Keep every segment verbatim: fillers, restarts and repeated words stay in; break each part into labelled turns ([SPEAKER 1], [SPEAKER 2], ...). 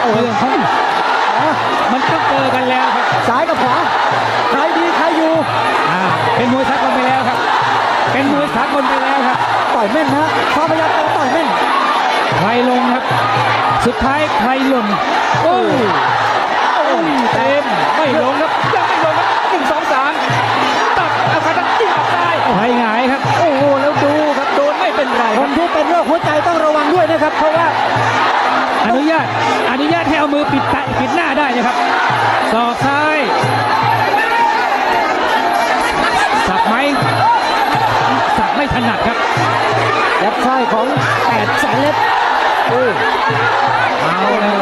[SPEAKER 1] เรื่องของมันต้องเจอกันแล้วครับ
[SPEAKER 2] ซ้ายกับขวาใครดีใครอยู่
[SPEAKER 1] อ่าเป็นมวยสากลไปแล้วครับเป็นมวยสากลไปแล้วครับ
[SPEAKER 2] ต่อยแม่นนะฟ้าพยัคฆ์ต่อยแม่น
[SPEAKER 1] ใครลงครับสุดท้ายใครหล่นโอ้ยเต็มไม่ลงครับยังไม่ลงครับหนึ่งสองสามตัดเอาขาตั้งจิ้มออกได้ใครหงายครับโอ้โหแล้วดูครับโดนไม่เป็นไร
[SPEAKER 2] คนที่เป็นโรคหัวใจต้องระวังด้วยนะครับเพราะว่า
[SPEAKER 1] อนุญาตอนุญาตให้เอามือปิดตาปิดหน้าได้นะครับศอกซ้ายสับไหมสับไม่ถนัดครับ
[SPEAKER 2] ยับซ้ายของแปดแสนเล็กโอ้
[SPEAKER 1] เอาเลย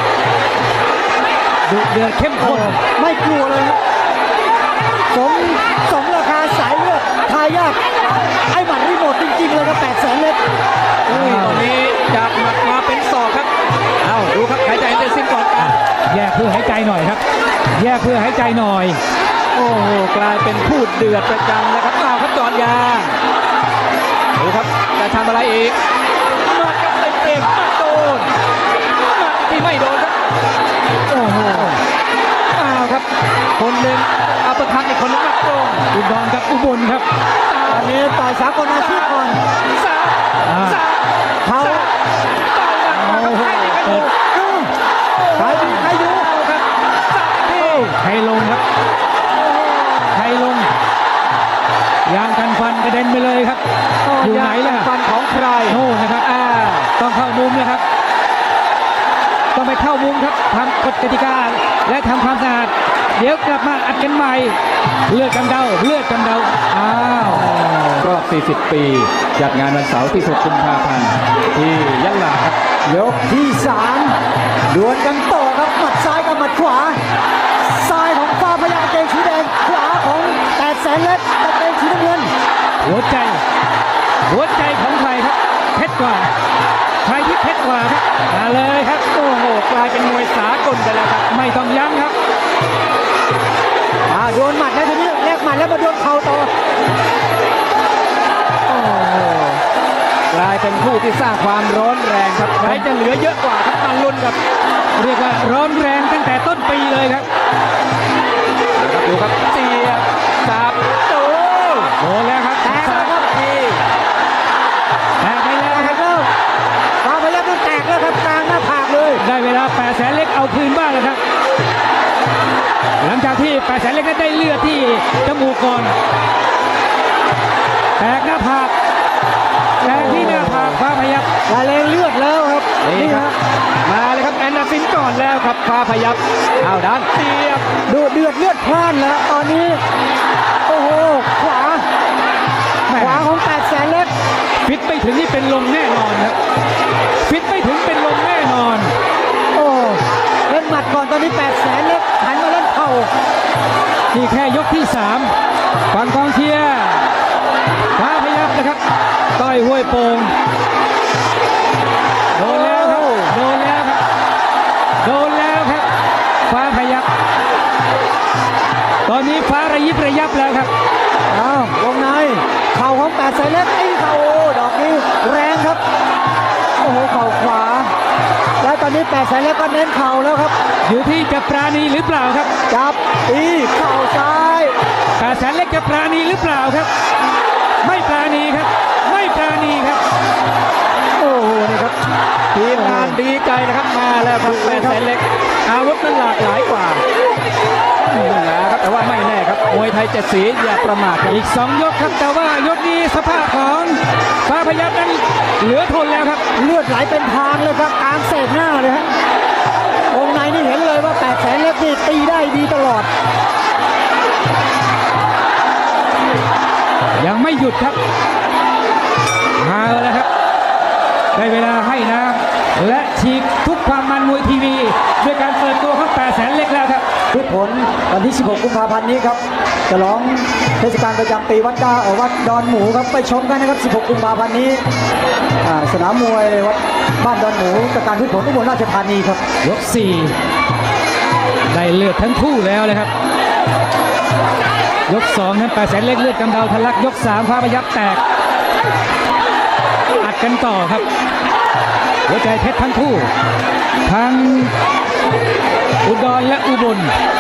[SPEAKER 1] ดุเดือดเข้มข้น
[SPEAKER 2] ไม่กลัวเลยครับสมสมราคาสายเลือดทายาทไอ้หมัดรีโมทจริงๆเลยครับแปดแสนเล็ก
[SPEAKER 1] ตอนนี้จากหมัดมาเป็นศอกครับเอาดูครับหายใจเต็มสิ้นก่อนแยกเพื่อหายใจหน่อยครับแยกเพื่อหายใจหน่อยโอ้โหกลายเป็นพูดเดือดประจังนะครับเอาครับจอดยางดูครับจะทำอะไรอีกมากับเต็มเต็มมาโดนมาที่ไม่โดนครับโอ้โหเอาครับคนหนึ่งอัปเปอร์คัตอีกคนนึงมาโดนอุดรกับอุบลครับ
[SPEAKER 2] ตอนนี้ต่อยสากลอาชีพก่อน
[SPEAKER 1] สามสาม
[SPEAKER 2] เขา
[SPEAKER 1] โอ้โห
[SPEAKER 2] ใครดีใครอยู่
[SPEAKER 1] ครับใครลงครับใครลงยางกันฟันกระเด็นไปเลยครับอยู่ไหนล่ะ
[SPEAKER 2] ฟันของใคร
[SPEAKER 1] โน่นะครับอ่าต้องเข้ามุมนะครับต้องไปเข้ามุมครับทำกฎกติกาและทำความสะอาดเดี๋ยวกลับมาอัดกันใหม่เลือดกำเดาเลือดกำเดาอ้าว
[SPEAKER 3] รอบสี่สิบปีจัดงานวันเสาร์ที่หกกุมภาพันธ์ที่ยะลาครับ
[SPEAKER 2] ยกที่สามดวลกันต่อครับหมัดซ้ายกับหมัดขวาซ้ายของฟ้าพยัคฆ์กางเกงสีแดงขวาของแปดแสนเล็กกางเกงสีน้ำเงิน
[SPEAKER 1] หัวใจหัวใจของใครครับเพชรกว่าใครที่เพชรกว่าครับมาเลยครับโอ้โหกลายเป็นมวยสากลไปแล้วครับไม่ต้องยั้งครับ
[SPEAKER 2] อ่าโดนหมัดแล้วทีนี้แลกหมัดแล้วมาโดนเข่าต่อ
[SPEAKER 1] โอ้โหกลายเป็นผู้ที่สร้างความร้อนแรงครับใครจะเหลือเยอะกว่าครับมาลุ้นครับเรียกว่าร้อนแรงตั้งแต่ต้นปีเลยครับดูครับเสียบสับโอ้โหแล้วครับ
[SPEAKER 2] แตกแล้วครับที
[SPEAKER 1] แตกไปแล้ว
[SPEAKER 2] ครับฟ้าพยัคฆ์ต้องแตกแล้วครับกลางหน้าผากเลย
[SPEAKER 1] ได้เวลาแปดแสนเล็กเอาคืนบ้างแล้วครับหลังจากที่แปดแสนเล็กได้เลือดที่จมูกก่อนแตกหน้าผากแตกที่หน้าผากฟ้าพยัคฆ์
[SPEAKER 2] ละเลงเลือดแล้วครับ
[SPEAKER 1] นี่ครับมาเลยครับแอนนาซินก่อนแล้วครับฟ้าพยัคฆ์เอาด้านเสียบ
[SPEAKER 2] ดูเดือดเลือดพล่านแล้วตอนนี้โอ้โหขวาขวาของแปดแสนเล็ก
[SPEAKER 1] ฟิตไม่ถึงนี่เป็นลมแน่นอนครับฟิตไม่ถึงเป็นลมแน่นอน
[SPEAKER 2] โอ้เล่นหมัดก่อนตอนนี้แปดแสนเล็กหันมาเล่นเข่า
[SPEAKER 1] นี่แค่ยกที่สามฝั่งกองเชียร์ฟ้าพยัคฆ์นะครับต้อยห้วยโป่งโดนแล้วครับโดนแล้วครับโดนแล้วครับฟ้าพยัคฆ์ตอนนี้ฟ้าระยิบระยับแล้วครับ
[SPEAKER 2] อ้าววงในเข่าของแปดแสนเล็กไอ้เข่าดอกนี้แรงครับโอ้โหเข่าขวาแล้วตอนนี้แปดแสนเล็กก็เน้นเข่าแล้วครับ
[SPEAKER 1] อยู่ที่จะปราณีหรือเปล่าครับ
[SPEAKER 2] จับตีเข่าซ้าย
[SPEAKER 1] แปดแสนเล็กจะปราณีหรือเปล่าครับไม่ปราณีครับไม่ปราณีครับโอ้โหนี่ครับทีมงานดีใจนะครับมาแล้วครับแปดแสนเล็กอาวุธนั้นหลากหลายกว่านี่แหละครับแต่ว่าไม่แน่ครับมวยไทยเจ็ดสีอย่าประมาทอีกสองยกครับแต่ว่ายกนี้สภาพของฟ้าพยัคฆ์นั้นเหลือทนแล้วครับ
[SPEAKER 2] เลือดไหลเป็นทางเลยครับกลางเศษหน้าเลยฮะวงในนี่เห็นเลยว่าแปดแสนเล็กนี่ตีได้ดีตลอด
[SPEAKER 1] ยังไม่หยุดครับมาแล้วครับได้เวลาให้น้ำและฉีกทุกความมันมวยทีวีด้วยการเปิดตัวของแปดแสนเล็กแล้วครับ
[SPEAKER 2] พืชผลวันที่สิบหกกุมภาพันธ์นี้ครับฉลองเทศกาลประจำปีวัดดาวัดดอนหมูครับไปชมกันนะครับสิบหกกุมภาพันธ์นี้สนามมวยวัดบ้านดอนหมูกับการพืชผลอุบลราชธานีครับ
[SPEAKER 1] ยกสี่ได้เลือดทั้งคู่แล้วเลยครับยกสองนั้นแปดแสนเล็กเลือดกำเดาทะลักยกสามฟ้าพยัคฆ์แตกอัดกันต่อครับหัวใจเพชรทั้งคู่ทั้งอุดรและอุบล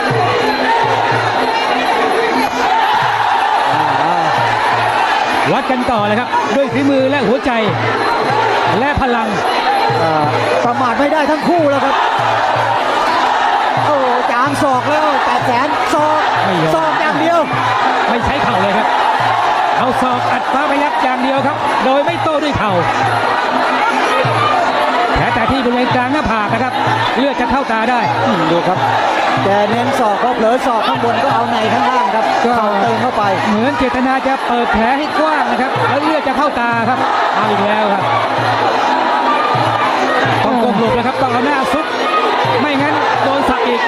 [SPEAKER 1] วัดกันต่อเลยครับด้วยฝีมือและหัวใจและพลัง
[SPEAKER 2] อ่าประมาทไม่ได้ทั้งคู่แล้วครับโอ้จามศอกแล้วแปดแสนศอก
[SPEAKER 1] ไม่ยอม
[SPEAKER 2] ศอกอย่างเดียว
[SPEAKER 1] ไม่ใช้เข่าเลยครับเอาศอกอัดฟ้าพยัคฆ์อย่างเดียวครับโดยไม่โต้ด้วยเข่าแผลแต่ที่บริเวณกลางหน้าผากนะครับเลือดจะเข้าตาได้
[SPEAKER 2] อืมดูครับแกเน้นศอกเขาเผลอศอกข้างบนก็เอาในข้างล่างครับ
[SPEAKER 1] ก็
[SPEAKER 2] เข่าเติมเข้าไป
[SPEAKER 1] เหมือนเจตนาจะเปิดแผลให้กว้างนะครับแล้วเลือดจะเข้าตาครับเอาอีกแล้วครับต้องก้มหลบแล้วครับต้องเอาหน้าซุกไม่งั้นโดนสับอีก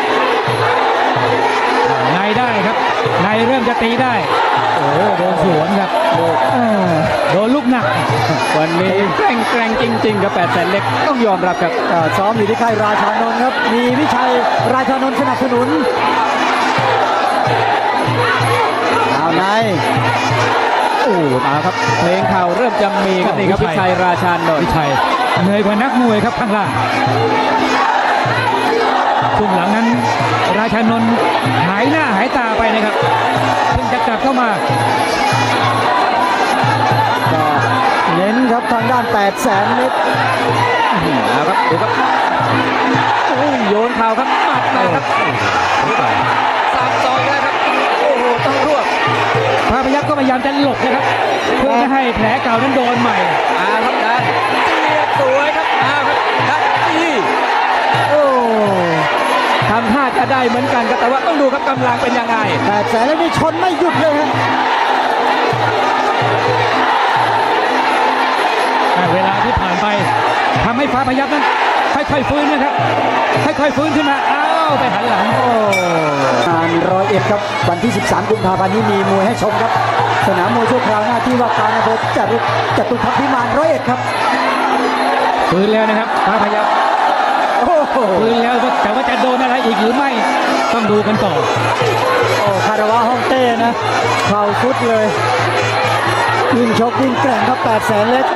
[SPEAKER 1] ในได้ครับในเริ่มจะตีได้โอ้โหโดนสวนครับ
[SPEAKER 2] เออ
[SPEAKER 1] โดนลูกหนัก
[SPEAKER 3] วันนี้แกร่งแกร่งจริง ๆ ครับแปดแสนเล็กต้องยอมรับครับ
[SPEAKER 2] อ่าซ้อมอยู่ที่ค่ายราชานนท์ครับมีวิชัยราชานนท์สนับสนุนเอาใน
[SPEAKER 3] โอ้มาครับเพลงข่าวเริ่มจะมีครับนี่ครับ
[SPEAKER 1] วิ
[SPEAKER 3] วิ
[SPEAKER 1] ชั
[SPEAKER 3] ชั
[SPEAKER 1] ย
[SPEAKER 3] ยราชานน
[SPEAKER 1] วิ
[SPEAKER 3] ท์
[SPEAKER 1] ชัยเหนื่อยกว่านักมวยครับข้างล่างช่วงหลังนั้นราชานนท์หายหน้าหายตาไปนะครับเพิ่งจะกลับเข้ามา
[SPEAKER 2] ก็เน้นครับทางด้านแปดแสนเล็ก
[SPEAKER 3] เอาครับดูครับโอ้ยโยนเข่าครับหมัดมาครับสามสองแล้วครับโอ้โหต้องรวบ
[SPEAKER 1] พระพยัคฆ์ก็พยายามจะหลบนะครับเพื่อไม่ให้แผลเก่านั้นโดนใหม่
[SPEAKER 3] อาครับได้เสียบสวยครับอาครับได้ที่
[SPEAKER 2] โอ้
[SPEAKER 3] ทำท่าจะได้เหมือนกันครับแต่ว่าต้องดูครับกำลังเป็นยังไง
[SPEAKER 2] แปดแสนเล็กนี่ชนไม่หยุดเลยฮะ
[SPEAKER 1] เวลาที่ผ่านไปทำให้ฟ้าพยัคฆ์นั้นค่อยๆฟื้นนะครับค่อยๆฟื้นขึ้นมาอ้าวไปหันหลัง
[SPEAKER 2] โอ้งานร้อยเอ็ดครับวันที่สิบสามกุมภาพันธ์นี้มีมวยให้ชมครับสนามมวยชั่วคราวหน้าที่ว่าการอำเภอจตุจตุพักษ์พิมานร้อยเอ็ดครับ
[SPEAKER 1] ฟื้นแล้วนะครับฟ้าพยัคฆ์
[SPEAKER 2] โอ้โห
[SPEAKER 1] ฟื้นแล้วแต่ว่าจะโดนอะไรอีกหรือไม่ต้องดูกันต่อ
[SPEAKER 2] โอ้คาราวะฮ่องเต้นะเข่าสุดเลยยิ่งชกยิ่งแกร่งครับแปดแสนเล็ก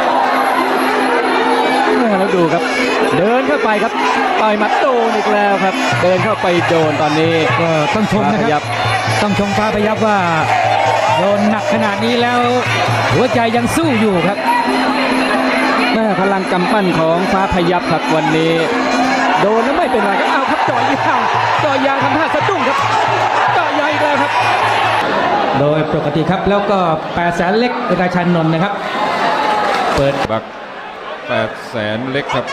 [SPEAKER 3] แล้วดูครับ เดินเข้าไปครับต่อยหมัดโดนอีกแล้วครับ เดินเข้าไปโดนตอนนี้
[SPEAKER 1] ก็ต้องชมนะค
[SPEAKER 3] ฟ้าพยั
[SPEAKER 1] รับ
[SPEAKER 3] คฆ์
[SPEAKER 1] ต้องชมฟ้าพยัคฆ์ว่าโดนหนักขนาดนี้แล้วหัวใจยังสู้อยู่ครับ
[SPEAKER 3] แม่พลังกำปั้นของฟ้าพยัคฆ์ครับวันนี้ โดนแล้วไม่เป็นไรครับเอาครับจ่อยยางจ่อยยางทำท่าสะดุ้งครับจ่อยยางอีกแล้วครับ
[SPEAKER 1] โดยปกติครับแล้วก็แปดแสนเล็กราชานนท์นะครับเปิด
[SPEAKER 4] บักแปดแสนเล็กครับ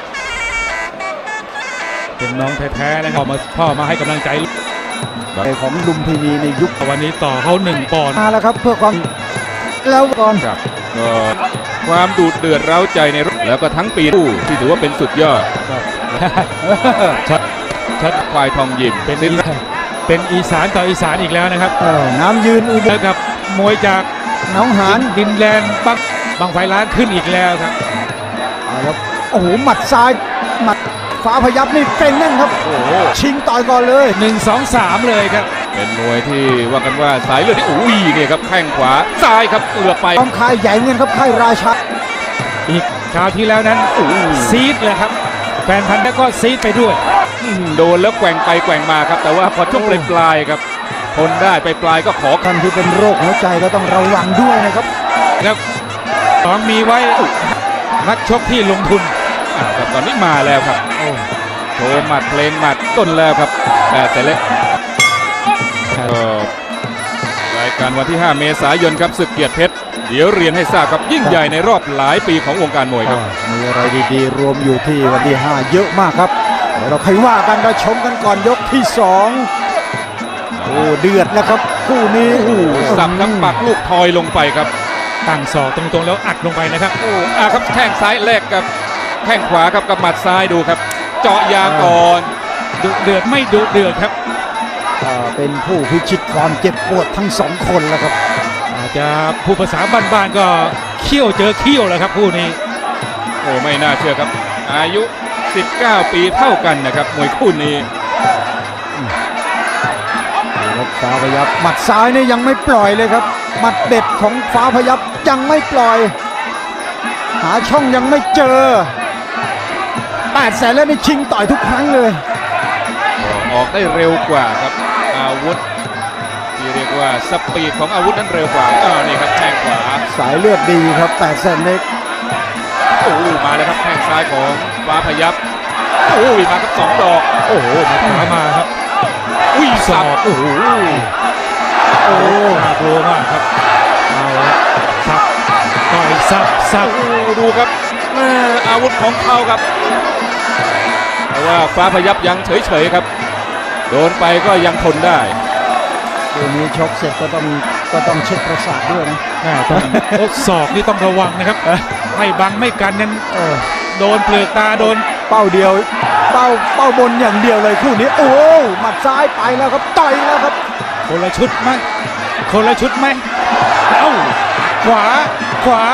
[SPEAKER 5] เป็นน้องแท้ๆนะครับพ่อมาพ่อมาให้กำลังใจ
[SPEAKER 2] ของลุมพินีในยุค
[SPEAKER 5] วันนี้ต่อเขาหนึ่งปอนด์
[SPEAKER 2] มาแล้วครับเพื่อความแล้วก่อน
[SPEAKER 4] ครับก็ความดูดเดือดเร้าใจในรถแล้วก็ทั้งปีคู่ที่ถือว่าเป็นสุดยอด
[SPEAKER 5] ชัดชัด
[SPEAKER 4] ควายทองยิม
[SPEAKER 5] เป็น
[SPEAKER 4] สิ้น
[SPEAKER 5] อีสานเป็นอีสานต่ออีสานอีกแล้วนะครับ
[SPEAKER 2] เออน้ำยืนอุบล
[SPEAKER 5] แล้วกับมวยจาก
[SPEAKER 2] หน้องหาน
[SPEAKER 5] ดินแดนบังบางไฟล้านขึ้นอีกแล้วครับ
[SPEAKER 2] เอาครับโอ้โหหมัดซ้ายหมัดฟ้าพยับนี่เก่งแน่นครับ
[SPEAKER 4] โอ้โห
[SPEAKER 2] ชิงต่อยก่อนเลย
[SPEAKER 5] หนึ่ง สอง สามเลยครับ
[SPEAKER 4] เป็นมวยที่ว่ากันว่าสายเลือดที่อุ้ยเนี่ยครับแข้งขวาซ้ายครับเอือบไป
[SPEAKER 2] ต้องคายใหญ่เงินครับค่ายราชา
[SPEAKER 5] อีกคราวที่แล้วนั้นซีดเลยครับ แฟนพันธุ์แล้วก็ซีดไปด้วย
[SPEAKER 4] อืมโดนแล้วแกว่งไปแกว่งมาครับ แต่ว่าพอช่วงปลายๆครับทนได้ไปปลายๆก็ขอ
[SPEAKER 2] ท่านที่เป็นโรคหัวใจก็ต้องระวังด้วยนะครับ
[SPEAKER 5] แล้วสองมีไว้นักชกที่ลงทุน
[SPEAKER 4] อ่าครับตอนนี้มาแล้วครับโชว์หมัดเพลงหมัดต้นแล้วครับแปดแสนเล็กก็รายการวันที่ ห้า เมษายนครับศึกเกียรติเพชรเดี๋ยวเรียนให้ทราบครับยิ่งใหญ่ในรอบหลายปีของวงการมวยครับ
[SPEAKER 2] มีอะไรดีๆ รวมอยู่ที่วันที่ห้าเยอะมากครับเดี๋ยวเราค่อยว่ากันเราชมกันก่อนยกที่สองโอ้เดือดแล้วครับคู่นี้
[SPEAKER 4] สับทั้งปักลูกทอยลงไปครับ
[SPEAKER 5] ตั้งศอกตรงๆแล้วอัดลงไปนะครับ
[SPEAKER 4] โอ้อาครับแข้งซ้ายแลกกับแข้งขวาครับกับหมัดซ้ายดูครับ เจาะยางก่อน
[SPEAKER 5] ดุเดือดไม่ดุเดือดครับ
[SPEAKER 2] อ่าเป็นผู้พิชิตความเจ็บปวดทั้งสองคนแล้วครับ
[SPEAKER 5] อาจจะผู้ภาษาบ้านๆก็เขี้ยวเจอเขี้ยวแล้วครับคู่นี้
[SPEAKER 4] โอ้ไม่น่าเชื่อครับ อายุ สิบเก้า ปีเท่ากันนะครับมวยคู่นี้
[SPEAKER 2] ครับฟ้าพยับหมัดซ้ายนี่ยังไม่ปล่อยเลยครับหมัดเด็ดของฟ้าพยับยังไม่ปล่อย หาช่องยังไม่เจอแปดแสนแล้วนี่ชิงต่อยทุกครั้งเลย
[SPEAKER 4] ออกได้เร็วกว่าครับอาวุธที่เรียกว่าสปีดของอาวุธนั้นเร็วกว่าอ่านี่ครับแข้งขวา
[SPEAKER 2] สายเลือดดีครับแปดแสนเล็ก
[SPEAKER 4] โอ้โหมาแล้วครับแข้งซ้ายของฟ้าพยับโอ้ยมาครับสองดอก
[SPEAKER 5] โอ้โหมาขวามาครับ
[SPEAKER 4] อุ้ย
[SPEAKER 5] ศ
[SPEAKER 4] สั
[SPEAKER 5] อบ กโอ้โหโอ้น่ากลัวมากครับเอาละสับต่อยสับสับ
[SPEAKER 4] โอ้โหดูครับแม่อาวุธของเขาครับแต่ว่าฟ้าพยับยังเฉยๆครับโดนไปก็ยังทนได้
[SPEAKER 2] เดี๋ยวนี้ชกเสร็จก็ต้องก็ต้องเช็คประสาทด้วยนะ
[SPEAKER 5] แม่ต้องโอ้ศอกนี่ต้องระวังนะครับไม่บังไม่กันนั้น
[SPEAKER 2] เออ
[SPEAKER 5] โดนเปลือกตาโดน
[SPEAKER 2] เป้าเดียวเป้าเป้าบนอย่างเดียวเลยคู่นี้โอ้หมัดซ้ายไปแล้วครับต่อยแล้วครับ
[SPEAKER 5] คนละชุดไหมคนละชุดไหมเอ้าขวาขวา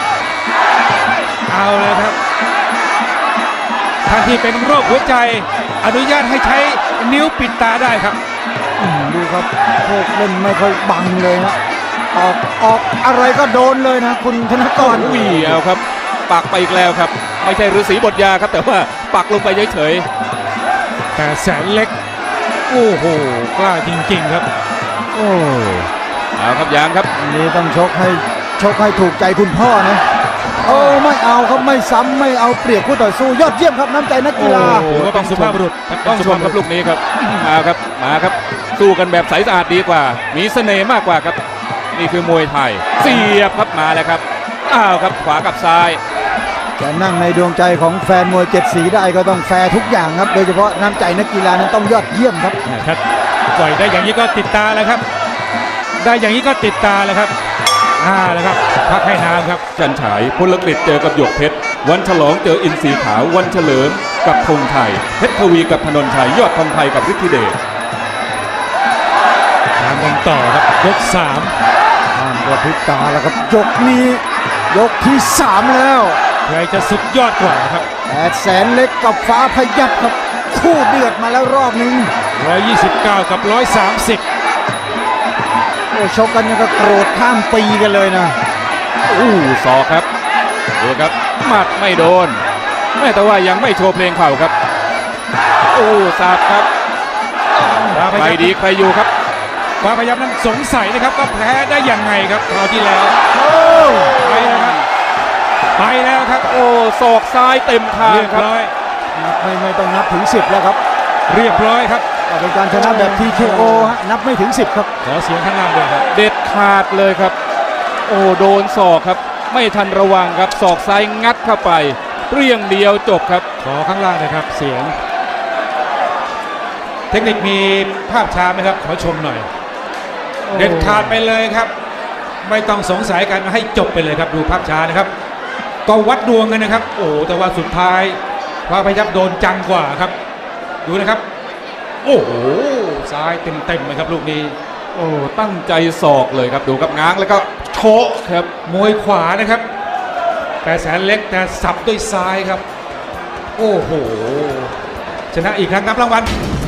[SPEAKER 5] เอาเลยครับท่านที่เป็นโรคหัวใจอนุญาตให้ใช้นิ้วปิดตาได้ครับ
[SPEAKER 2] อืมดูครับพวกเล่นไม่ค่อยบังเลยนะออกออกอะไรก็โดนเลยนะคุณธนกร
[SPEAKER 4] อุ้ยเอาครับปักไปอีกแล้วครับไม่ใช่ฤาษีบทยาครับแต่ว่าปักลงไปเฉย
[SPEAKER 5] แต่แสนเล็กโอ้โหกล้าจริงๆครับ
[SPEAKER 2] โอ้
[SPEAKER 4] ๆเอาครับยางครับ
[SPEAKER 2] อันนี้ต้องชกให้ชกให้ถูกใจคุณพ่อนะโอ้ไม่เอาครับไม่ซ้ำไม่เอาเปรียบคู่ต่อสู้ยอดเยี่ยมครับน้ำใจนักกีฬา
[SPEAKER 4] โอ้
[SPEAKER 5] ถือว่าเป็นสุภาพบุรุษ
[SPEAKER 4] ต้องชมครับลูกนี้ครับมาครับมาครับสู้กันแบบใสสะอาดดีกว่า มีเสน่ห์มากกว่าครับนี่คือมวยไทยเสียบครับมาแล้วครับอ้าวครับขวากับซ้าย
[SPEAKER 2] จะนั่งในดวงใจของแฟนมวยเจ็ดสีได้ก็ต้องแฟร์ทุกอย่างครับ โดยเฉพาะน้ำใจนักกีฬานั้นต้องยอดเยี่ยมครับ
[SPEAKER 5] ครับปล่อยได้อย่างนี้ก็ติดตาแล้วครับ ได้อย่างนี้ก็ติดตาแล้วครับอ่าแล้วครับพักให้น้ำครับ
[SPEAKER 4] จันฉายพลกฤษเจอกับหยกเพชรวันฉลองเจออินทรีขาววันเฉลิมกับธงไทยเพชรทวีกับธนนชัยยอดทองไทยกับฤทธิเดช
[SPEAKER 5] ตามกันต่อครับยกสาม
[SPEAKER 2] ห้ามกระพริบตาแล้วครับยกนี้ยกที่สามแล้ว
[SPEAKER 5] ใครจะสุดยอดกว่าครับ
[SPEAKER 2] แปดแสนเล็กกับฟ้าพยับครับคู่เดือดมาแล้วรอบหนึง
[SPEAKER 5] หนึ่งร้อยยี่สิบเก้ากับหนึ่งร้อยสามสิบ
[SPEAKER 2] โอ้ชกกันยังก็โกรธข้ามปีกันเลยนะ
[SPEAKER 4] อู้ศอกครับดูครับหมัดไม่โดนแม่แต่ว่ายังไม่โชว์เพลงเข่าครับโอ้สาบครับ
[SPEAKER 5] ฟ้าพ
[SPEAKER 4] ใคร
[SPEAKER 5] ยับ
[SPEAKER 4] ดีใครอยู่ครับ
[SPEAKER 5] ฟ้าพยับนั้นสงสัยนะครับว่าแพ้ได้ยังไงครับคราวที่แล้วไปแล้วครับไปแล้วครับ
[SPEAKER 4] โอ้ศอกซ้ายเต็มทาง
[SPEAKER 5] เรียบ
[SPEAKER 4] ครับ
[SPEAKER 5] ร้อย
[SPEAKER 2] ไม่ไม่ต้องนับถึงสิบแล้วครับ
[SPEAKER 5] เรียบร้อยครับ
[SPEAKER 2] ก็เป็นการชนะแบบ ที เค โอ ฮะนับไม่ถึงสิบครับ
[SPEAKER 5] ขอเสียงข้างล่างด้วยครับ
[SPEAKER 4] เด็ดขาดเลยครับ โอ้โดนศอกครับ ไม่ทันระวังครับศอกซ้ายงัดเข้าไปเปรี้ยงเดียวจบครับ
[SPEAKER 5] ขอข้างล่างนะครับเสียง เทคนิคมีภาพช้าไหมครับขอชมหน่อย เด็ดขาดไปเลยครับ ไม่ต้องสงสัยกันให้จบไปเลยครับดูภาพช้านะครับก็วัดดวงกันนะครับ โอ้แต่ว่าสุดท้ายพระพยับโดนจังกว่าครับ ดูนะครับ โอ้โหซ้ายเต็มๆเลยครับลูกนี้
[SPEAKER 4] โอ้ตั้งใจศอกเลยครับดูครับง้างแล้วก็โชะครับ
[SPEAKER 5] มวยขวานะครับแต่แสนเล็กแต่สับด้วยซ้ายครับ โอ้โหชนะอีกครั้งครับรางวัล